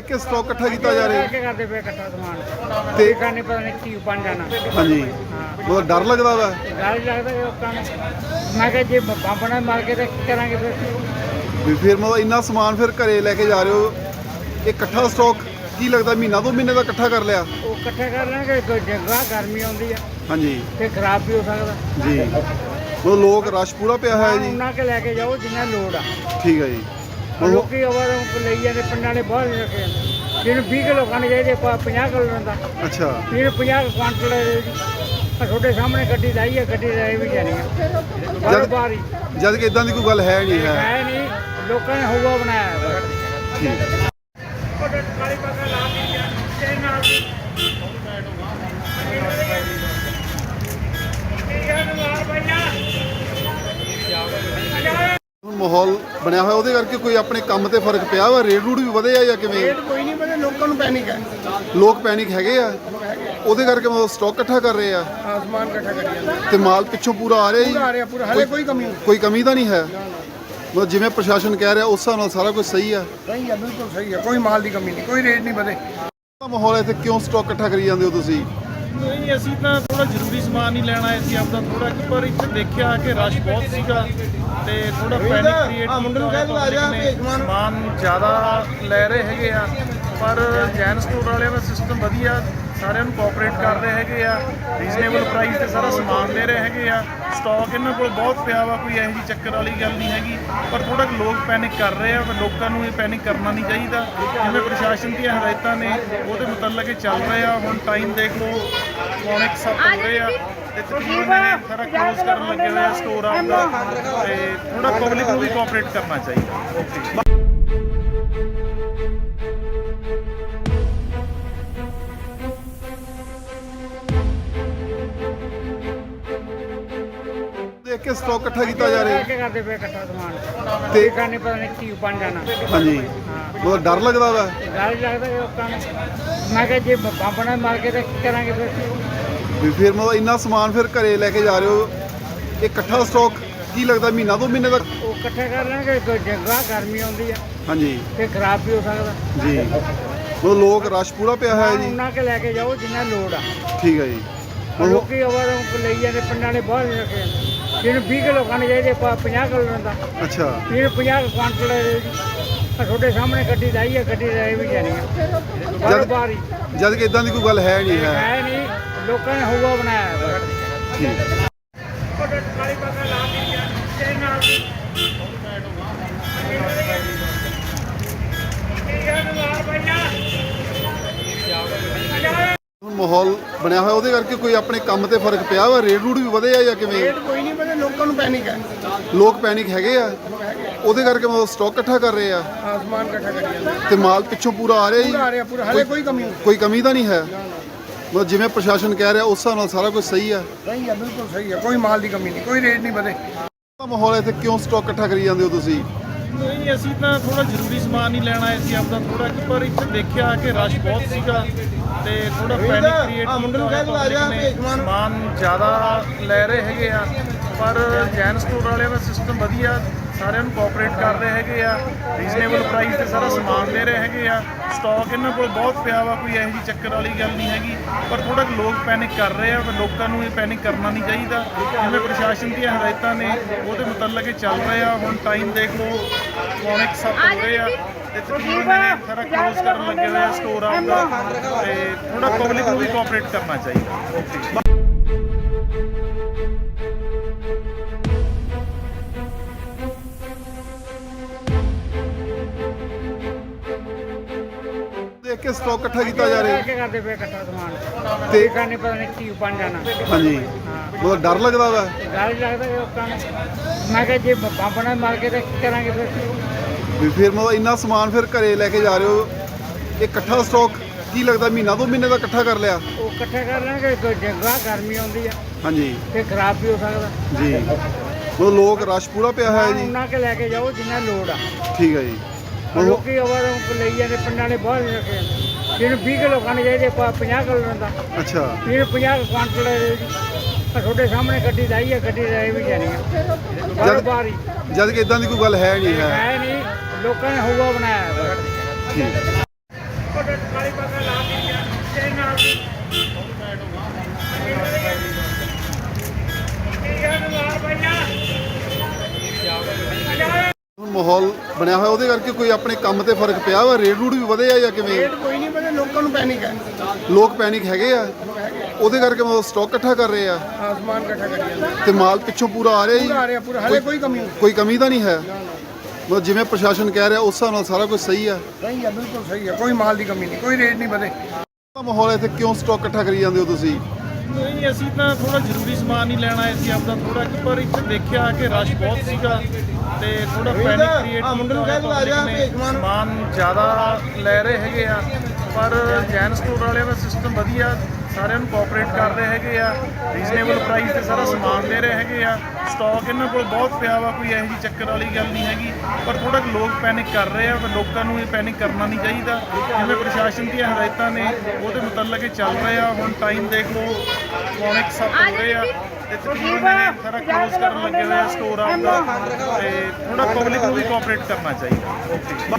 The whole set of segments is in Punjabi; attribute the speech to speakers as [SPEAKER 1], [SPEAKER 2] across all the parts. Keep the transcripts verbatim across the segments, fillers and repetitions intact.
[SPEAKER 1] देख के स्टॉक इकट्ठा किया जा रहा है
[SPEAKER 2] करते पे इकट्ठा समान
[SPEAKER 1] ते
[SPEAKER 2] देखा नहीं पता नहीं की बन जाना।
[SPEAKER 1] हाँ जी बहुत डर लगता वा
[SPEAKER 2] डर लगता है लोगों को। मैं कहा जी बंब ना मार के तो की करांगे फिर
[SPEAKER 1] भी फिर मतलब इन्ना समान फिर घरे लेके जा रहे हो इकट्ठा स्टॉक की लगता महीना दो महीने का इकट्ठा कर लिया
[SPEAKER 2] वो इकट्ठा कर लेंगे कोई जगह गर्मी आती है
[SPEAKER 1] हाँ जी
[SPEAKER 2] फिर खराब भी हो सकता
[SPEAKER 1] जी मतलब लोग रश पूरा पिया है जी
[SPEAKER 2] उन्ना के लेके जाओ जिन्हें लोड़ आ
[SPEAKER 1] ठीक है जी
[SPEAKER 2] लोग ले जाते पिंडा ने बहुत रखे जिन्हें बीस किलो खाने चाहिए पचास किलो लेंदा
[SPEAKER 1] अच्छा
[SPEAKER 2] फिर पचास क्वांटल छोटे सामने गड्डी लाई है गड्डी लाई भी जानी है बार बार ही
[SPEAKER 1] जद कि इदां दी कोई गल है नहीं है
[SPEAKER 2] है नहीं लोगों ने हुआ बनाया है
[SPEAKER 1] ठीक माहौल बनया हुआ ਉਹਦੇ ਕਰਕੇ ਕੋਈ ਆਪਣੇ ਕੰਮ ਤੇ ਫਰਕ ਪਿਆ ਵਾ ਰੇਟ ਰੂਟ ਵੀ ਵਧੇ ਆ ਜਾਂ ਕਿਵੇਂ
[SPEAKER 2] ਰੇਟ ਕੋਈ ਨਹੀਂ ਵਧੇ ਲੋਕਾਂ ਨੂੰ ਪੈਨਿਕ ਹੈ
[SPEAKER 1] ਲੋਕ ਪੈਨਿਕ ਹੈਗੇ ਆ ਉਹਦੇ ਕਰਕੇ ਮਤਲਬ ਸਟਾਕ ਇਕੱਠਾ ਕਰ ਰਹੇ ਆ
[SPEAKER 2] ਆਸਮਾਨ ਇਕੱਠਾ ਕਰੀ ਜਾਂਦੇ
[SPEAKER 1] ਤੇ ਮਾਲ ਪਿੱਛੋਂ ਪੂਰਾ ਆ ਰਿਹਾ ਜੀ
[SPEAKER 2] ਪੂਰਾ ਆ ਰਿਹਾ ਪੂਰਾ ਹਲੇ ਕੋਈ ਕਮੀ ਨਹੀਂ
[SPEAKER 1] ਕੋਈ ਕਮੀ ਤਾਂ ਨਹੀਂ ਹੈ ਮਤਲਬ ਜਿਵੇਂ ਪ੍ਰਸ਼ਾਸਨ ਕਹਿ ਰਿਹਾ ਉਸ ਹਿਸਾਬ ਨਾਲ ਸਾਰਾ ਕੁਝ ਸਹੀ ਆ
[SPEAKER 2] ਸਹੀ ਹੈ ਬਿਲਕੁਲ ਸਹੀ ਹੈ ਕੋਈ ਮਾਲ ਦੀ ਕਮੀ ਨਹੀਂ ਕੋਈ ਰੇਟ ਨਹੀਂ ਵਧੇ
[SPEAKER 1] ਮਾਹੌਲ ਇੱਥੇ ਕਿਉਂ ਸਟਾਕ ਇਕੱਠਾ ਕਰੀ ਜਾਂਦੇ ਹੋ ਤੁਸੀਂ
[SPEAKER 3] ਨਹੀਂ ਅਸੀਂ ਤਾਂ ਥੋੜਾ ਜ਼ਰੂਰੀ ਸਮਾਨ ਹੀ ਲੈਣਾ ਆਏ ਸੀ ਆਪਦਾ ਥੋੜਾ ਕਿ ਪਰ ਇੱਥੇ ਦੇਖਿਆ ਕਿ ਰਸ਼ ਬਹੁਤ ਸੀਗਾ ਤੇ ਥੋੜਾ ਪੈਨਿਕ ਕ੍ਰੀਏਟ ਕੀਤਾ ਸਮਾਨ ਜ਼ਿਆਦਾ ਲੈ ਰਹੇ ਹੈਗੇ ਆ ਪਰ ਜੈਨ ਸਟੋਰ ਵਾਲਿਆਂ ਦਾ ਸਿਸਟਮ ਵਧੀਆ ਸਾਰਿਆਂ ਨੂੰ ਕੋਆਪਰੇਟ ਕਰ ਰਹੇ ਹੈਗੇ ਆ ਰੀਜ਼ਨੇਬਲ ਪ੍ਰਾਈਸ ਤੇ ਸਾਰਾ ਸਮਾਨ ਦੇ ਰਹੇ ਹੈਗੇ ਆ ਸਟਾਕ ਇਹਨਾਂ ਕੋਲ ਬਹੁਤ ਪਿਆ ਵਾ ਕੋਈ ਇਹੋ ਜਿਹੀ ਚੱਕਰ ਵਾਲੀ ਗੱਲ ਨਹੀਂ ਹੈਗੀ ਪਰ ਥੋੜਾ ਲੋਕ ਪੈਨਿਕ ਕਰ ਰਹੇ ਆ ਪਰ ਲੋਕਾਂ ਨੂੰ ਇਹ ਪੈਨਿਕ ਕਰਨਾ ਨਹੀਂ ਚਾਹੀਦਾ ਜਿਵੇਂ ਪ੍ਰਸ਼ਾਸਨ ਦੀਆਂ ਹਦਾਇਤਾਂ ਨੇ ਉਹਦੇ ਮੁਤਲਕ ਇਹ ਚੱਲ ਰਹੇ ਆ ਹੁਣ ਟਾਈਮ ਦੇਖ ਲਓ ਪੌਣੇ ਕੁ ਸੱਤ ਹੋ ਰਹੇ ਆ ਤੇ ਤਕਰੀਬਨ ਇਹ ਸਾਰਾ ਕਲੋਜ਼ ਕਰਨ ਲੱਗੇ ਹੋਏ ਆ ਸਟੋਰ ਆਪਦਾ ਤੇ ਥੋੜਾ ਪਬਲਿਕ ਨੂੰ ਵੀ ਕੋਆਪਰੇਟ ਕਰਨਾ ਚਾਹੀਦਾ ਓਕੇ
[SPEAKER 1] ਦੇਖ ਕੇ ਸਟਾਕ ਇਕੱਠਾ ਕੀਤਾ ਜਾ ਰਿਹਾ
[SPEAKER 2] ਕੀ ਕਰਦੇ ਪਏ ਇਕੱਠਾ ਸਮਾਨ
[SPEAKER 1] ਤੇ
[SPEAKER 2] ਦੇਖਾ ਨਹੀਂ ਪਤਾ ਨਹੀਂ ਕੀ ਬਣ ਜਾਣਾ।
[SPEAKER 1] ਹਾਂ ਜੀ ਬਹੁਤ ਡਰ ਲੱਗਦਾ ਵਾ
[SPEAKER 2] ਡਰ ਲੱਗਦਾ ਲੋਕਾਂ ਨੂੰ। ਮੈਂ ਕਹਾ ਜੀ ਬੰਬ ਨਾ ਮਾਰ ਕੇ ਤਾਂ ਕੀ ਕਰਾਂਗੇ ਫਿਰ
[SPEAKER 1] ਵੀ ਫਿਰ ਮਤਲਬ ਇੰਨਾ ਸਮਾਨ ਫਿਰ ਘਰੇ ਲੈ ਕੇ ਜਾ ਰਹੇ ਹੋ ਇਕੱਠਾ ਸਟਾਕ ਕੀ ਲੱਗਦਾ ਮਹੀਨਾ ਦੋ ਮਹੀਨੇ ਦਾ
[SPEAKER 2] ਉਹ ਇਕੱਠਾ ਕਰ ਲੈਣਗੇ ਕੋਈ ਜਗ੍ਹਾ ਗਰਮੀ ਆਉਂਦੀ ਹੈ
[SPEAKER 1] ਹਾਂ ਜੀ
[SPEAKER 2] ਫਿਰ ਖਰਾਬ ਵੀ ਹੋ ਸਕਦਾ
[SPEAKER 1] ਜੀ ਮਤਲਬ ਲੋਕ ਰਸ਼ ਪੂਰਾ ਪਿਆ ਹੈ ਜੀ
[SPEAKER 2] ਉਹਨਾਂ ਕੇ ਲੈ ਕੇ ਜਾਓ ਜਿੰਨਾ ਲੋੜ ਆ
[SPEAKER 1] ਠੀਕ ਹੈ ਜੀ
[SPEAKER 2] ਲੋਕੀ ਆਵਾਰ ਲਈ ਜਾਂਦੇ ਪਿੰਡਾਂ ਨੇ ਬਹੁਤ ਰखे ਜਿਹਨੂੰ ਵੀਹ ਕਿਲੋ ਖਾਣੇ ਚਾਹੀਦੇ ਪਚਾਸ ਕਿਲੋ ਲੈਂਦਾ
[SPEAKER 1] ਅੱਛਾ
[SPEAKER 2] ਫਿਰ ਪਚਾਸ ਕੁਆਂਟਲ ਛੋਟੇ ਸਾਹਮਣੇ ਗੱਡੀ ਲਾਈ ਹੈ ਗੱਡੀ ਲਾਈ ਵੀ ਜਾਣੀ ਹੈ ਬਾਰ ਬਾਰ ਹੀ
[SPEAKER 1] ਜਦ ਕਿ ਇਦਾਂ ਦੀ ਕੋਈ ਗੱਲ ਹੈ ਨਹੀਂ ਹੈ
[SPEAKER 2] ਹੈ ਨਹੀਂ ਲੋਕਾਂ ਨੇ ਹੁਆ ਬਣਾਇਆ ਹੈ
[SPEAKER 1] ਠੀਕ ਮਾਹੌਲ ਬਣਿਆ ਹੋਇਆ ਉਹਦੇ ਕਰਕੇ ਕੋਈ ਆਪਣੇ ਕੰਮ ਤੇ ਫਰਕ ਪਿਆ ਵਾ ਰੇਟ ਰੂਟ ਵੀ ਵਧੇ ਆ ਜਾਂ ਕਿਵੇਂ
[SPEAKER 2] ਰੇਟ ਕੋਈ ਨਹੀਂ ਵਧੇ ਲੋਕਾਂ ਨੂੰ ਪੈਨਿਕ ਹੈ
[SPEAKER 1] ਲੋਕ ਪੈਨਿਕ ਹੈਗੇ ਆ ਉਹਦੇ ਕਰਕੇ ਮਤਲਬ ਸਟਾਕ ਇਕੱਠਾ ਕਰ ਰਹੇ ਆ
[SPEAKER 2] ਆਸਮਾਨ ਇਕੱਠਾ ਕਰੀ ਜਾਂਦੇ
[SPEAKER 1] ਤੇ ਮਾਲ ਪਿੱਛੋਂ ਪੂਰਾ ਆ ਰਿਹਾ ਜੀ
[SPEAKER 2] ਪੂਰਾ ਆ ਰਿਹਾ ਪੂਰਾ ਹਲੇ ਕੋਈ ਕਮੀ ਨਹੀਂ
[SPEAKER 1] ਕੋਈ ਕਮੀ ਤਾਂ ਨਹੀਂ ਹੈ ਮਤਲਬ ਜਿਵੇਂ ਪ੍ਰਸ਼ਾਸਨ ਕਹਿ ਰਿਹਾ ਉਸ ਹਿਸਾਬ ਨਾਲ ਸਾਰਾ ਕੁਝ ਸਹੀ ਆ
[SPEAKER 2] ਸਹੀ ਹੈ ਬਿਲਕੁਲ ਸਹੀ ਹੈ ਕੋਈ ਮਾਲ ਦੀ ਕਮੀ ਨਹੀਂ ਕੋਈ ਰੇਟ ਨਹੀਂ ਵਧੇ
[SPEAKER 1] ਮਾਹੌਲ ਇੱਥੇ ਕਿਉਂ ਸਟਾਕ ਇਕੱਠਾ ਕਰੀ ਜਾਂਦੇ ਹੋ ਤੁਸੀਂ
[SPEAKER 3] ਨਹੀਂ ਅਸੀਂ ਤਾਂ ਥੋੜਾ ਜ਼ਰੂਰੀ ਸਮਾਨ ਹੀ ਲੈਣਾ ਆਏ ਸੀ ਆਪਦਾ ਥੋੜਾ ਕਿ ਪਰ ਇੱਥੇ ਦੇਖਿਆ ਕਿ ਰਸ਼ ਬਹੁਤ ਸੀਗਾ ਤੇ ਥੋੜਾ ਪੈਨਿਕ ਕ੍ਰੀਏਟ ਕੀਤਾ ਸਮਾਨ ਜ਼ਿਆਦਾ ਲੈ ਰਹੇ ਹੈਗੇ ਆ ਪਰ ਜੈਨ ਸਟੋਰ ਵਾਲਿਆਂ ਦਾ ਸਿਸਟਮ ਵਧੀਆ ਸਾਰਿਆਂ ਨੂੰ ਕੋਆਪਰੇਟ ਕਰ ਰਹੇ ਹੈਗੇ ਆ ਰੀਜ਼ਨੇਬਲ ਪ੍ਰਾਈਸ ਤੇ ਸਾਰਾ ਸਮਾਨ ਦੇ ਰਹੇ ਹੈਗੇ ਆ ਸਟਾਕ ਇਹਨਾਂ ਕੋਲ ਬਹੁਤ ਪਿਆ ਵਾ ਕੋਈ ਇਹੋ ਜਿਹੀ ਚੱਕਰ ਵਾਲੀ ਗੱਲ ਨਹੀਂ ਹੈਗੀ ਪਰ ਥੋੜਾ ਲੋਕ ਪੈਨਿਕ ਕਰ ਰਹੇ ਆ ਪਰ ਲੋਕਾਂ ਨੂੰ ਇਹ ਪੈਨਿਕ ਕਰਨਾ ਨਹੀਂ ਚਾਹੀਦਾ ਜਿਵੇਂ ਪ੍ਰਸ਼ਾਸਨ ਦੀਆਂ ਹਦਾਇਤਾਂ ਨੇ ਉਹਦੇ ਮੁਤਲਕ ਇਹ ਚੱਲ ਰਹੇ ਆ ਹੁਣ ਟਾਈਮ ਦੇਖ ਲਓ ਪੌਣੇ ਕੁ ਸੱਤ ਹੋ ਰਹੇ ਆ ਤੇ ਤਕਰੀਬਨ ਇਹ ਸਾਰਾ ਕਲੋਜ਼ ਕਰਨ ਲੱਗੇ ਹੋਏ ਆ ਸਟੋਰ ਆਪਦਾ ਤੇ ਥੋੜਾ ਪਬਲਿਕ ਨੂੰ ਵੀ ਕੋਆਪਰੇਟ ਕਰਨਾ ਚਾਹੀਦਾ ਓਕੇ
[SPEAKER 1] ਦੇਖ ਕੇ ਸਟਾਕ ਇਕੱਠਾ ਕੀਤਾ ਜਾ ਰਿਹਾ
[SPEAKER 2] ਕੀ ਕਰਦੇ ਪਏ ਇਕੱਠਾ ਸਮਾਨ
[SPEAKER 1] ਤੇ
[SPEAKER 2] ਦੇਖਾ ਨਹੀਂ ਪਤਾ ਨਹੀਂ ਕੀ ਬਣ ਜਾਣਾ।
[SPEAKER 1] ਹਾਂ ਜੀ ਬਹੁਤ ਡਰ ਲੱਗਦਾ ਵਾ
[SPEAKER 2] ਡਰ ਲੱਗਦਾ ਲੋਕਾਂ ਨੂੰ। ਮੈਂ ਕਹਾ ਜੀ ਬੰਬ ਨਾ ਮਾਰ ਕੇ ਤਾਂ ਕੀ ਕਰਾਂਗੇ ਫਿਰ
[SPEAKER 1] ਵੀ ਫਿਰ ਮਤਲਬ ਇੰਨਾ ਸਮਾਨ ਫਿਰ ਘਰੇ ਲੈ ਕੇ ਜਾ ਰਹੇ ਹੋ ਇਕੱਠਾ ਸਟਾਕ ਕੀ ਲੱਗਦਾ ਮਹੀਨਾ ਦੋ ਮਹੀਨੇ ਦਾ ਇਕੱਠਾ ਕਰ ਲਿਆ
[SPEAKER 2] ਉਹ ਇਕੱਠਾ ਕਰ ਲੈਣਗੇ ਕੋਈ ਜਗ੍ਹਾ ਗਰਮੀ ਆਉਂਦੀ ਹੈ
[SPEAKER 1] ਹਾਂ ਜੀ
[SPEAKER 2] ਫਿਰ ਖਰਾਬ ਵੀ ਹੋ ਸਕਦਾ
[SPEAKER 1] ਜੀ ਮਤਲਬ ਲੋਕ ਰਸ਼ ਪੂਰਾ ਪਿਆ ਹੈ ਜੀ
[SPEAKER 2] ਉਹਨਾਂ ਕੇ ਲੈ ਕੇ ਜਾਓ ਜਿੰਨਾ ਲੋੜ ਆ
[SPEAKER 1] ਠੀਕ ਹੈ ਜੀ
[SPEAKER 2] ਲੋਕੀ ਆਵਾਰ ਲਈ ਜਾਂਦੇ ਪਿੰਡਾਂ ਨੇ ਬਹੁਤ ਰखे ਜਿਹਨੂੰ ਵੀਹ ਕਿਲੋ ਖਾਣੇ ਚਾਹੀਦੇ ਪਚਾਸ ਕਿਲੋ ਲੈਂਦਾ
[SPEAKER 1] ਅੱਛਾ
[SPEAKER 2] ਫਿਰ ਪਚਾਸ ਕੁਆਂਟਲ ਛੋਟੇ ਸਾਹਮਣੇ ਗੱਡੀ ਲਾਈ ਹੈ ਗੱਡੀ ਲਾਈ ਵੀ ਜਾਣੀ ਹੈ ਬਾਰ ਬਾਰ ਹੀ
[SPEAKER 1] ਜਦ ਕਿ ਇਦਾਂ ਦੀ ਕੋਈ ਗੱਲ ਹੈ ਨਹੀਂ ਹੈ
[SPEAKER 2] ਹੈ ਨਹੀਂ ਲੋਕਾਂ ਨੇ ਹੁਆ ਬਣਾਇਆ ਹੈ
[SPEAKER 1] ਠੀਕ
[SPEAKER 2] ਕਾਲੀ ਪੱਗ ਲਾ ਕੇ ਤੇਰੇ ਨਾਲ
[SPEAKER 1] ਹੁਣ ਮਾਹੌਲ ਬਣਿਆ ਹੋਇਆ ਉਹਦੇ ਕਰਕੇ ਕੋਈ ਆਪਣੇ ਕੰਮ ਤੇ ਫਰਕ ਪਿਆ ਵਾ ਰੇਟ ਰੂਟ ਵੀ ਵਧੇ ਆ ਜਾਂ ਕਿਵੇਂ
[SPEAKER 2] ਰੇਟ ਕੋਈ ਨਹੀਂ ਬਣੇ, ਲੋਕਾਂ ਨੂੰ ਪੈਨਿਕ ਹੈ।
[SPEAKER 1] ਲੋਕ ਪੈਨਿਕ ਹੈਗੇ ਆ ਉਹਦੇ ਕਰਕੇ ਮਤਲਬ ਸਟਾਕ ਇਕੱਠਾ ਕਰ ਰਹੇ ਆ
[SPEAKER 2] ਆਸਮਾਨ ਇਕੱਠਾ ਕਰੀ ਜਾਂਦੇ
[SPEAKER 1] ਤੇ ਮਾਲ ਪਿੱਛੋਂ ਪੂਰਾ ਆ ਰਿਹਾ ਜੀ
[SPEAKER 2] ਆ ਰਿਹਾ ਪੂਰਾ, ਹਲੇ ਕੋਈ ਕਮੀ ਨਹੀਂ।
[SPEAKER 1] ਕੋਈ ਕਮੀ ਤਾਂ ਨਹੀਂ ਹੈ ਮਤਲਬ ਜਿਵੇਂ ਪ੍ਰਸ਼ਾਸਨ ਕਹਿ ਰਿਹਾ ਉਸ ਹਿਸਾਬ ਨਾਲ ਸਾਰਾ ਕੁਝ ਸਹੀ ਆ
[SPEAKER 2] ਸਹੀ ਹੈ, ਬਿਲਕੁਲ ਸਹੀ ਹੈ, ਕੋਈ ਮਾਲ ਦੀ ਕਮੀ ਨਹੀਂ, ਕੋਈ ਰੇਟ ਨਹੀਂ ਵਧੇ।
[SPEAKER 1] ਮਾਹੌਲ ਇੱਥੇ ਕਿਉਂ ਸਟਾਕ ਇਕੱਠਾ ਕਰੀ ਜਾਂਦੇ ਹੋ ਤੁਸੀਂ
[SPEAKER 3] ਨਹੀਂ, ਅਸੀਂ ਤਾਂ ਥੋੜਾ ਜ਼ਰੂਰੀ ਸਮਾਨ ਹੀ ਲੈਣਾ ਆਏ ਸੀ ਆਪਦਾ ਥੋੜਾ ਕਿ ਪਰ ਇੱਥੇ ਦੇਖਿਆ ਕਿ ਰਸ਼ ਬਹੁਤ ਸੀਗਾ ਤੇ ਥੋੜਾ ਪੈਨਿਕ ਕ੍ਰੀਏਟ ਸਮਾਨ ਜ਼ਿਆਦਾ ਲੈ ਰਹੇ ਹੈਗੇ ਆ। ਪਰ ਜੈਨ ਸਟੋਰ ਵਾਲਿਆਂ ਦਾ ਸਿਸਟਮ ਵਧੀਆ, ਸਾਰਿਆਂ ਨੂੰ ਕੋਆਪਰੇਟ ਕਰ ਰਹੇ ਹੈਗੇ ਆ, ਰੀਜ਼ਨੇਬਲ ਪ੍ਰਾਈਸ ਤੇ ਸਾਰਾ ਸਮਾਨ ਦੇ ਰਹੇ ਹੈਗੇ ਆ। ਸਟਾਕ ਇਹਨਾਂ ਕੋਲ ਬਹੁਤ ਪਿਆ ਵਾ, ਕੋਈ ਇਹੋ ਜਿਹੀ ਚੱਕਰ ਵਾਲੀ ਗੱਲ ਨਹੀਂ ਹੈਗੀ। ਪਰ ਥੋੜਾ ਲੋਕ ਪੈਨਿਕ ਕਰ ਰਹੇ ਆ, ਪਰ ਲੋਕਾਂ ਨੂੰ ਇਹ ਪੈਨਿਕ ਕਰਨਾ ਨਹੀਂ ਚਾਹੀਦਾ। ਜਿਵੇਂ ਪ੍ਰਸ਼ਾਸਨ ਦੀਆਂ ਹਦਾਇਤਾਂ ਨੇ ਉਹਦੇ ਮੁਤਲਕ ਇਹ ਚੱਲ ਰਹੇ ਆ। ਹੁਣ ਟਾਈਮ ਦੇਖ ਲਓ, ਪੌਣੇ ਕੁ ਸੱਤ ਹੋ ਰਹੇ ਆ ਤੇ ਤਕਰੀਬਨ ਇਹ ਸਾਰਾ ਕਲੋਜ਼ ਕਰਨ ਲੱਗੇ ਹੋਏ ਆ ਸਟੋਰ ਆਪਦਾ। ਤੇ ਥੋੜਾ ਪਬਲਿਕ ਨੂੰ ਵੀ ਕੋਆਪਰੇਟ ਕਰਨਾ ਚਾਹੀਦਾ। ਓਕੇ।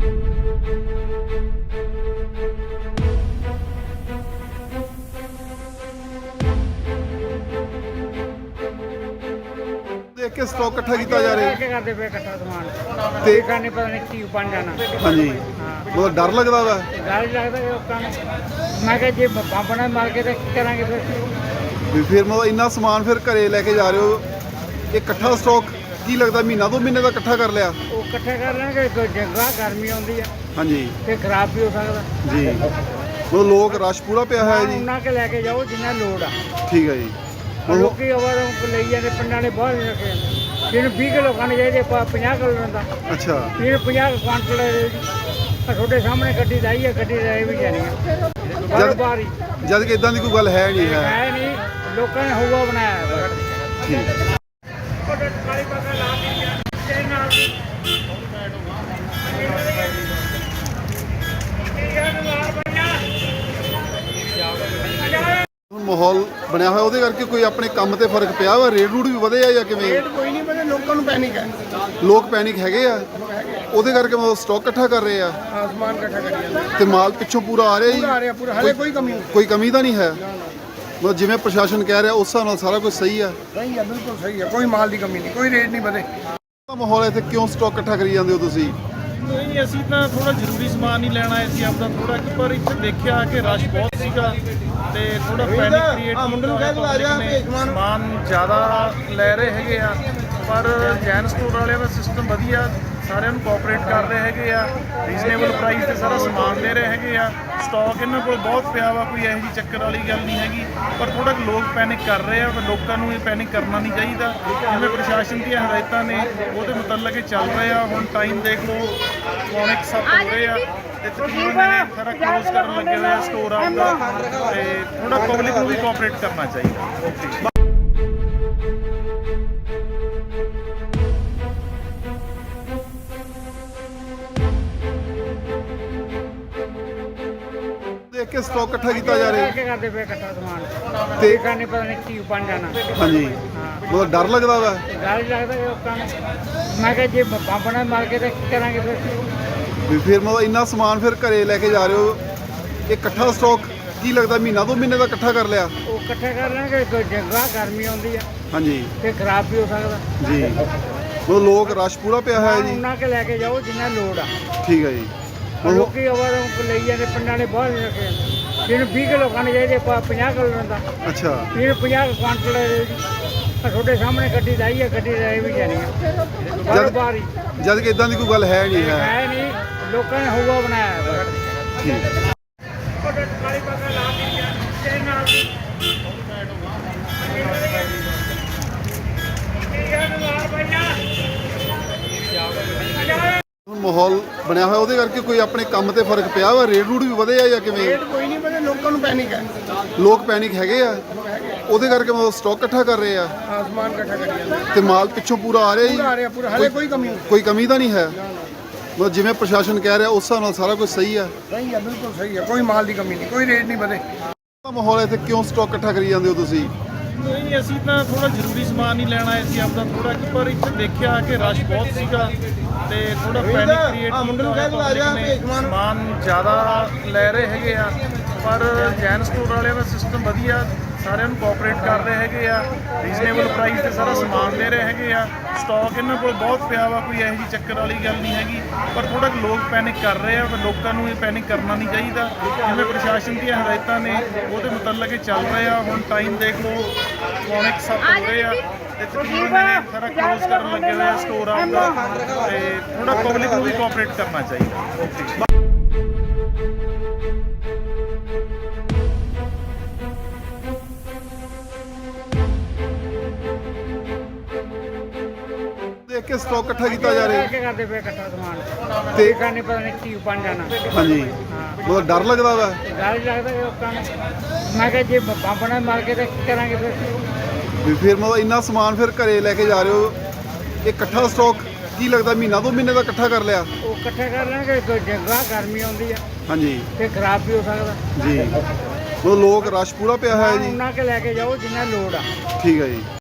[SPEAKER 1] ਦੇਖ ਕੇ ਸਟਾਕ ਇਕੱਠਾ ਕੀਤਾ ਜਾ ਰਿਹਾ
[SPEAKER 2] ਕੀ ਕਰਦੇ ਪਏ ਇਕੱਠਾ ਸਮਾਨ
[SPEAKER 1] ਤੇ
[SPEAKER 2] ਕਰਨੇ ਪਤਾ ਨਹੀਂ ਕੀ ਬਣ ਜਾਣਾ।
[SPEAKER 1] ਹਾਂਜੀ ਮਤਲਬ ਡਰ ਲੱਗਦਾ ਵਾ
[SPEAKER 2] ਡਰ ਹੀ ਲੱਗਦਾ ਕਿ ਲੋਕਾਂ ਨੂੰ। ਮੈਂ ਕਿਹਾ ਜੇ ਬੰਬ ਨਾ ਮਾਰ ਕੇ ਤਾਂ ਕੀ ਕਰਾਂਗੇ ਫਿਰ।
[SPEAKER 1] ਵੀ ਫਿਰ ਮਤਲਬ ਇੰਨਾ ਸਮਾਨ ਫਿਰ ਘਰੇ ਲੈ ਕੇ ਜਾ ਰਹੇ ਹੋ ਇਹ ਇਕੱਠਾ ਸਟਾਕ ਕੀ ਲੱਗਦਾ ਮਹੀਨਾ ਦੋ ਮਹੀਨੇ ਦਾ ਇਕੱਠਾ ਕਰ ਲਿਆ
[SPEAKER 2] ਉਹ ਇਕੱਠਾ ਕਰ ਲੈਣਗੇ, ਕੋਈ ਜਗ੍ਹਾ ਗਰਮੀ ਆਉਂਦੀ ਆ
[SPEAKER 1] ਹਾਂਜੀ
[SPEAKER 2] ਤੇ ਖਰਾਬ ਵੀ ਹੋ ਸਕਦਾ
[SPEAKER 1] ਜੀ ਮਤਲਬ ਲੋਕ ਰਸ਼ ਪੂਰਾ ਪਿਆ ਹੋਇਆ ਜੀ
[SPEAKER 2] ਉਹਨਾਂ ਕੇ ਲੈ ਕੇ ਜਾਓ ਜਿੰਨਾ ਲੋੜ ਆ।
[SPEAKER 1] ਠੀਕ ਹੈ ਜੀ
[SPEAKER 2] ਹੁਣ ਲੋਕੀ ਆਵਾਰਾਂ ਲਈ ਜਾਂਦੇ, ਪਿੰਡਾਂ ਨੇ ਬਾਹਰ ਨਹੀਂ ਰੱਖੇ ਜਾਂਦੇ। ਜਿਹਨੂੰ ਵੀਹ ਕਿਲੋ ਖਾਣੇ ਚਾਹੀਦੇ ਪੰਜਾਹ ਕਿਲੋ ਲੈਂਦਾ,
[SPEAKER 1] ਅੱਛਾ
[SPEAKER 2] ਜਿਹਨੂੰ ਪੰਜਾਹ ਕੁਆਂਟਲ ਤੁਹਾਡੇ ਸਾਹਮਣੇ ਗੱਡੀ ਲਾਈ ਹੈ, ਗੱਡੀ ਲੈ ਵੀ ਜਾਣੀ ਆ ਬਾਰ ਬਾਰ ਹੀ।
[SPEAKER 1] ਜਦ ਕਿ ਇਦਾਂ ਦੀ ਕੋਈ ਗੱਲ ਹੈ ਨਹੀਂ ਹੈ
[SPEAKER 2] ਹੈ ਨਹੀਂ, ਲੋਕਾਂ ਨੇ ਹਵਾ ਬਣਾਇਆ ਹੈ।
[SPEAKER 1] ਠੀਕ
[SPEAKER 2] ਕਾਲੀ ਪੱਗ ਲਾ ਕੇ ਤੇਰੇ ਨਾਲ
[SPEAKER 1] ਹੁਣ ਮਾਹੌਲ ਬਣਿਆ ਹੋਇਆ ਉਹਦੇ ਕਰਕੇ ਕੋਈ ਆਪਣੇ ਕੰਮ ਤੇ ਫਰਕ ਪਿਆ ਵਾ ਰੇਟ ਰੂਟ ਵੀ ਵਧੇ ਆ ਜਾਂ ਕਿਵੇਂ
[SPEAKER 2] ਰੇਟ ਕੋਈ ਨਹੀਂ ਬਣੇ, ਲੋਕਾਂ ਨੂੰ ਪੈਨਿਕ ਹੈ।
[SPEAKER 1] ਲੋਕ ਪੈਨਿਕ ਹੈਗੇ ਆ ਉਹਦੇ ਕਰਕੇ ਮਤਲਬ ਸਟਾਕ ਇਕੱਠਾ ਕਰ ਰਹੇ ਆ
[SPEAKER 2] ਆਸਮਾਨ ਇਕੱਠਾ ਕਰੀ ਜਾਂਦੇ
[SPEAKER 1] ਤੇ ਮਾਲ ਪਿੱਛੋਂ ਪੂਰਾ ਆ ਰਿਹਾ ਜੀ
[SPEAKER 2] ਆ ਰਿਹਾ ਪੂਰਾ, ਹਲੇ ਕੋਈ ਕਮੀ ਨਹੀਂ।
[SPEAKER 1] ਕੋਈ ਕਮੀ ਤਾਂ ਨਹੀਂ ਹੈ ਮਤਲਬ ਜਿਵੇਂ ਪ੍ਰਸ਼ਾਸਨ ਕਹਿ ਰਿਹਾ ਉਸ ਹਿਸਾਬ ਨਾਲ ਸਾਰਾ ਕੁਝ ਸਹੀ ਆ
[SPEAKER 2] ਸਹੀ ਹੈ, ਬਿਲਕੁਲ ਸਹੀ ਹੈ, ਕੋਈ ਮਾਲ ਦੀ ਕਮੀ ਨਹੀਂ, ਕੋਈ ਰੇਟ ਨਹੀਂ ਵਧੇ।
[SPEAKER 1] ਮਾਹੌਲ ਇੱਥੇ ਕਿਉਂ ਸਟਾਕ ਇਕੱਠਾ ਕਰੀ ਜਾਂਦੇ ਹੋ ਤੁਸੀਂ
[SPEAKER 3] ਨਹੀਂ, ਅਸੀਂ ਤਾਂ ਥੋੜਾ ਜ਼ਰੂਰੀ ਸਮਾਨ ਹੀ ਲੈਣਾ ਆਏ ਸੀ ਆਪਦਾ ਥੋੜਾ ਕਿ ਪਰ ਇੱਥੇ ਦੇਖਿਆ ਕਿ ਰਸ਼ ਬਹੁਤ ਸੀਗਾ ਤੇ ਥੋੜਾ ਪੈਨਿਕ ਕ੍ਰੀਏਟ ਸਮਾਨ ਜ਼ਿਆਦਾ ਲੈ ਰਹੇ ਹੈਗੇ ਆ। ਪਰ ਜੈਨ ਸਟੋਰ ਵਾਲਿਆਂ ਦਾ ਸਿਸਟਮ ਵਧੀਆ, ਸਾਰਿਆਂ ਨੂੰ ਕੋਆਪਰੇਟ ਕਰ ਰਹੇ ਹੈਗੇ ਆ, ਰੀਜ਼ਨੇਬਲ ਪ੍ਰਾਈਸ ਤੇ ਸਾਰਾ ਸਮਾਨ ਦੇ ਰਹੇ ਹੈਗੇ ਆ। ਸਟਾਕ ਇਹਨਾਂ ਕੋਲ ਬਹੁਤ ਪਿਆ ਵਾ, ਕੋਈ ਇਹੋ ਜਿਹੀ ਚੱਕਰ ਵਾਲੀ ਗੱਲ ਨਹੀਂ ਹੈਗੀ। ਪਰ ਥੋੜਾ ਲੋਕ ਪੈਨਿਕ ਕਰ ਰਹੇ ਆ, ਪਰ ਲੋਕਾਂ ਨੂੰ ਇਹ ਪੈਨਿਕ ਕਰਨਾ ਨਹੀਂ ਚਾਹੀਦਾ। ਜਿਵੇਂ ਪ੍ਰਸ਼ਾਸਨ ਦੀਆਂ ਹਦਾਇਤਾਂ ਨੇ ਉਹਦੇ ਮੁਤਲਕ ਇਹ ਚੱਲ ਰਹੇ ਆ। ਹੁਣ ਟਾਈਮ ਦੇਖ ਲਓ, ਪੌਣੇ ਕੁ ਸੱਤ ਹੋ ਰਹੇ ਆ ਤੇ ਤਕਰੀਬਨ ਇਹ ਸਾਰਾ ਕਲੋਜ਼ ਕਰਨ ਲੱਗੇ ਹੋਏ ਆ ਸਟੋਰ ਆਪਦਾ। ਤੇ ਥੋੜਾ ਪਬਲਿਕ ਨੂੰ ਵੀ ਕੋਆਪਰੇਟ ਕਰਨਾ ਚਾਹੀਦਾ। ਓਕੇ।
[SPEAKER 1] ਦੇਖ ਕੇ ਸਟਾਕ ਇਕੱਠਾ ਕੀਤਾ ਜਾ ਰਿਹਾ
[SPEAKER 2] ਕੀ ਕਰਦੇ ਪਏ ਇਕੱਠਾ ਸਮਾਨ
[SPEAKER 1] ਤੇ
[SPEAKER 2] ਕਰਨੇ ਪਤਾ ਨਹੀਂ ਕੀ ਬਣ ਜਾਣਾ।
[SPEAKER 1] ਹਾਂਜੀ ਮਤਲਬ ਡਰ ਲੱਗਦਾ ਵਾ
[SPEAKER 2] ਡਰ ਹੀ ਲੱਗਦਾ ਕਿ ਲੋਕਾਂ ਨੂੰ। ਮੈਂ ਕਿਹਾ ਜੇ ਬੰਬ ਨਾ ਮਾਰ ਕੇ ਤਾਂ ਕੀ ਕਰਾਂਗੇ ਫਿਰ।
[SPEAKER 1] ਵੀ ਫਿਰ ਮਤਲਬ ਇੰਨਾ ਸਮਾਨ ਫਿਰ ਘਰੇ ਲੈ ਕੇ ਜਾ ਰਹੇ ਹੋ ਇਹ ਇਕੱਠਾ ਸਟਾਕ ਕੀ ਲੱਗਦਾ ਮਹੀਨਾ ਦੋ ਮਹੀਨੇ ਦਾ ਇਕੱਠਾ ਕਰ ਲਿਆ
[SPEAKER 2] ਉਹ ਇਕੱਠਾ ਕਰ ਲੈਣਗੇ, ਕੋਈ ਜਗ੍ਹਾ ਗਰਮੀ ਆਉਂਦੀ ਆ
[SPEAKER 1] ਹਾਂਜੀ
[SPEAKER 2] ਤੇ ਖਰਾਬ ਵੀ ਹੋ ਸਕਦਾ
[SPEAKER 1] ਜੀ ਮਤਲਬ ਲੋਕ ਰਸ਼ ਪੂਰਾ ਪਿਆ ਹੋਇਆ ਜੀ
[SPEAKER 2] ਉਹਨਾਂ ਕੇ ਲੈ ਕੇ ਜਾਓ ਜਿੰਨਾ ਲੋੜ ਆ।
[SPEAKER 1] ਠੀਕ ਹੈ ਜੀ
[SPEAKER 2] ਹੁਣ ਲੋਕੀ ਆਵਾਰਾਂ ਲਈ ਜਾਂਦੇ, ਪਿੰਡਾਂ ਨੇ ਬਾਹਰ ਨਹੀਂ ਰੱਖੇ ਜਾਂਦੇ। ਜਿਹਨੂੰ ਵੀਹ ਕਿਲੋ ਖਾਣੇ ਚਾਹੀਦੇ ਪੰਜਾਹ ਕਿਲੋ ਲੈਂਦਾ,
[SPEAKER 1] ਅੱਛਾ
[SPEAKER 2] ਜਿਹਨੂੰ ਪੰਜਾਹ ਕੁਆਂਟਲ ਤੁਹਾਡੇ ਸਾਹਮਣੇ ਗੱਡੀ ਲਾਈ ਹੈ, ਗੱਡੀ ਲੈ ਵੀ ਜਾਣੀ ਆ ਬਾਰ ਬਾਰ ਹੀ।
[SPEAKER 1] ਜਦ ਕਿ ਇਦਾਂ ਦੀ ਕੋਈ ਗੱਲ ਹੈ ਨਹੀਂ ਹੈ
[SPEAKER 2] ਹੈ ਨਹੀਂ, ਲੋਕਾਂ ਨੇ ਹਵਾ ਬਣਾਇਆ ਹੈ।
[SPEAKER 1] ਠੀਕ
[SPEAKER 2] ਕਾਲੀ ਪੱਗ ਲਾ ਕੇ ਤੇਰੇ ਨਾਲ
[SPEAKER 1] ਹੁਣ ਮਾਹੌਲ ਬਣਿਆ ਹੋਇਆ ਉਹਦੇ ਕਰਕੇ ਕੋਈ ਆਪਣੇ ਕੰਮ ਤੇ ਫਰਕ ਪਿਆ ਵਾ ਰੇਟ ਰੂਟ ਵੀ ਵਧੇ ਆ ਜਾਂ ਕਿਵੇਂ
[SPEAKER 2] ਰੇਟ ਕੋਈ ਨਹੀਂ ਬਣੇ, ਲੋਕਾਂ ਨੂੰ ਪੈਨਿਕ ਹੈ।
[SPEAKER 1] ਲੋਕ ਪੈਨਿਕ ਹੈਗੇ ਆ ਉਹਦੇ ਕਰਕੇ ਮਤਲਬ ਸਟਾਕ ਇਕੱਠਾ ਕਰ ਰਹੇ ਆ
[SPEAKER 2] ਆਸਮਾਨ ਇਕੱਠਾ ਕਰੀ ਜਾਂਦੇ
[SPEAKER 1] ਤੇ ਮਾਲ ਪਿੱਛੋਂ ਪੂਰਾ ਆ ਰਿਹਾ ਜੀ
[SPEAKER 2] ਆ ਰਿਹਾ ਪੂਰਾ, ਹਲੇ ਕੋਈ ਕਮੀ ਨਹੀਂ।
[SPEAKER 1] ਕੋਈ ਕਮੀ ਤਾਂ ਨਹੀਂ ਹੈ ਮਤਲਬ ਜਿਵੇਂ ਪ੍ਰਸ਼ਾਸਨ ਕਹਿ ਰਿਹਾ ਉਸ ਹਿਸਾਬ ਨਾਲ ਸਾਰਾ ਕੁਝ ਸਹੀ ਆ
[SPEAKER 2] ਸਹੀ ਹੈ, ਬਿਲਕੁਲ ਸਹੀ ਹੈ, ਕੋਈ ਮਾਲ ਦੀ ਕਮੀ ਨਹੀਂ, ਕੋਈ ਰੇਟ ਨਹੀਂ ਵਧੇ।
[SPEAKER 1] ਮਾਹੌਲ ਇੱਥੇ ਕਿਉਂ ਸਟਾਕ ਇਕੱਠਾ ਕਰੀ ਜਾਂਦੇ ਹੋ ਤੁਸੀਂ
[SPEAKER 3] ਨਹੀਂ ਅਸੀਂ ਤਾਂ ਥੋੜਾ ਜ਼ਰੂਰੀ ਸਮਾਨ ਹੀ ਲੈਣ ਆਏ ਸੀ ਆਪਦਾ ਥੋੜਾ ਕਿ ਪਰ ਇੱਥੇ ਦੇਖਿਆ ਕਿ ਰਸ਼ ਬਹੁਤ ਸੀਗਾ ਤੇ ਥੋੜਾ ਪੈਨਿਕ ਕ੍ਰੀਏਟ ਮੁੰਡੇ ਨੂੰ ਕਹਿ ਕੇ ਆ ਜਾ ਸਮਾਨ ਜ਼ਿਆਦਾ ਲੈ ਰਹੇ ਹੈਗੇ ਆ ਪਰ ਜੈਨ ਸਟੋਰ ਵਾਲਿਆਂ ਦਾ ਸਿਸਟਮ ਵਧੀਆ ਸਾਰਿਆਂ ਨੂੰ ਕੋਆਪਰੇਟ ਕਰ ਰਹੇ ਹੈਗੇ ਆ ਰੀਜ਼ਨੇਬਲ ਪ੍ਰਾਈਸ ਤੇ ਸਾਰਾ ਸਮਾਨ ਦੇ ਰਹੇ ਹੈਗੇ ਆ ਸਟਾਕ ਇਹਨਾਂ ਕੋਲ ਬਹੁਤ ਪਿਆ ਵਾ ਕੋਈ ਇਹੋ ਜਿਹੀ ਚੱਕਰ ਵਾਲੀ ਗੱਲ ਨਹੀਂ ਹੈਗੀ ਪਰ ਥੋੜਾ ਲੋਕ ਪੈਨਿਕ ਕਰ ਰਹੇ ਆ ਪਰ ਲੋਕਾਂ ਨੂੰ ਇਹ ਪੈਨਿਕ ਕਰਨਾ ਨਹੀਂ ਚਾਹੀਦਾ ਜਿਵੇਂ ਪ੍ਰਸ਼ਾਸਨ ਦੀਆਂ ਹਦਾਇਤਾਂ ਨੇ ਉਹਦੇ ਮੁਤਲਕ ਇਹ ਚੱਲ ਰਹੇ ਆ ਹੁਣ ਟਾਈਮ ਦੇਖ ਲਓ ਪੌਣੇ ਕੁ ਸੱਤ ਹੋ ਰਹੇ ਆ ਤੇ ਤਕਰੀਬਨ ਇਹ ਸਾਰਾ ਕਲੋਜ਼ ਕਰਨ ਲੱਗੇ ਹੋਏ ਆ ਸਟੋਰ ਆਪਦਾ ਤੇ ਥੋੜਾ ਪਬਲਿਕ ਨੂੰ ਵੀ ਕੋਆਪਰੇਟ ਕਰਨਾ ਚਾਹੀਦਾ ਓਕੇ
[SPEAKER 1] ਦੇਖ ਕੇ ਸਟਾਕ ਇਕੱਠਾ ਕੀਤਾ ਜਾ ਰਿਹਾ
[SPEAKER 2] ਕੀ ਕਰਦੇ ਪਏ ਇਕੱਠਾ ਸਮਾਨ
[SPEAKER 1] ਤੇ
[SPEAKER 2] ਦੇਖਾਂ ਨਹੀਂ ਪਤਾ ਨਹੀਂ ਕੀ ਬਣ ਜਾਣਾ
[SPEAKER 1] ਹਾਂਜੀ ਬਹੁਤ ਡਰ ਲੱਗਦਾ ਵਾ
[SPEAKER 2] ਡਰ ਹੀ ਲੱਗਦਾ ਕਿ ਲੋਕਾਂ ਨੂੰ ਮੈਂ ਕਿਹਾ ਜੇ ਬੰਬ ਨਾ ਮਾਰ ਕੇ ਤਾਂ ਕੀ ਕਰਾਂਗੇ ਫਿਰ
[SPEAKER 1] ਵੀ ਫਿਰ ਮਤਲਬ ਇੰਨਾ ਸਮਾਨ ਫਿਰ ਘਰੇ ਲੈ ਕੇ ਜਾ ਰਹੇ ਹੋ ਇਹ ਇਕੱਠਾ ਸਟਾਕ ਕੀ ਲੱਗਦਾ ਮਹੀਨਾ ਦੋ ਮਹੀਨੇ ਦਾ ਇਕੱਠਾ ਕਰ ਲਿਆ
[SPEAKER 2] ਉਹ ਇਕੱਠੇ ਕਰ ਲੈਣਗੇ ਕੋਈ ਜਗ੍ਹਾ ਗਰਮੀ ਆਉਂਦੀ ਆ
[SPEAKER 1] ਹਾਂਜੀ
[SPEAKER 2] ਤੇ ਖਰਾਬ ਵੀ ਹੋ ਸਕਦਾ
[SPEAKER 1] ਜੀ ਮਤਲਬ ਲੋਕ ਰਸ਼ ਪੂਰਾ ਪਿਆ ਹੋਇਆ ਜੀ
[SPEAKER 2] ਉਹਨਾਂ ਕੇ ਲੈ ਕੇ ਜਾਓ ਜਿੰਨਾ ਲੋੜ ਆ
[SPEAKER 1] ਠੀਕ ਹੈ ਜੀ